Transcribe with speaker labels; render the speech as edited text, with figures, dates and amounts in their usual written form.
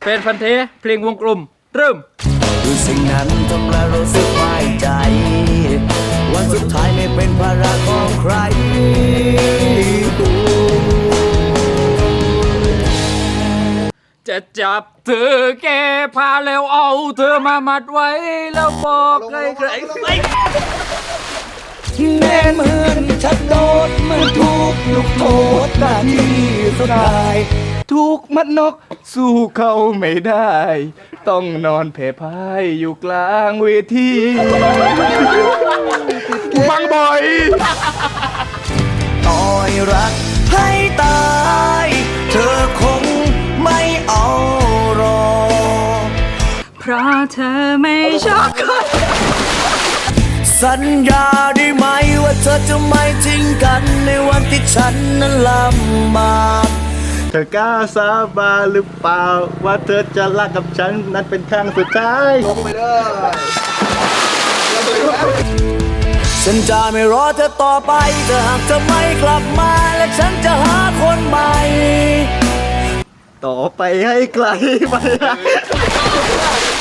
Speaker 1: นพันธุ์แท้เพลงวงกลมเริ่ม
Speaker 2: คือสิ่งนั้นทำให้รู้สึกไม่ใจ วันสุดท้ายไม่เป็นภาระของใคร
Speaker 1: จะจับเธอแก้ผ้าแล้วเอาเธอมามัดไว้แล้วบอกใคร
Speaker 2: แน่เหมือนฉันโดนมันถูกลูกโทษหน้าที่สุดท้ายถูกมัดนกสู้เขาไม่ได้ ต้องนอนแผ่พายอยู่กลางเวทีฟังบ่อยต่อยรักให้ตายเธอคงไม่เอาหรอก
Speaker 3: เพราะเธอไม่ชอบคน
Speaker 2: สัญญาได้ไหมว่าเธอจะไม่ทิ้งกันในวันที่ฉันนั้นลำบากเธอกล้าสาบานหรือเปล่าว่าเธอจะรักกับฉันนั้นเป็นครั้งสุดท้ายลงไปเลยฉันจะไม่รอเธอต่อไปถ้าหากเธอไม่กลับมาและฉันจะหาคนใหม่ต่อไปให้ไกลไป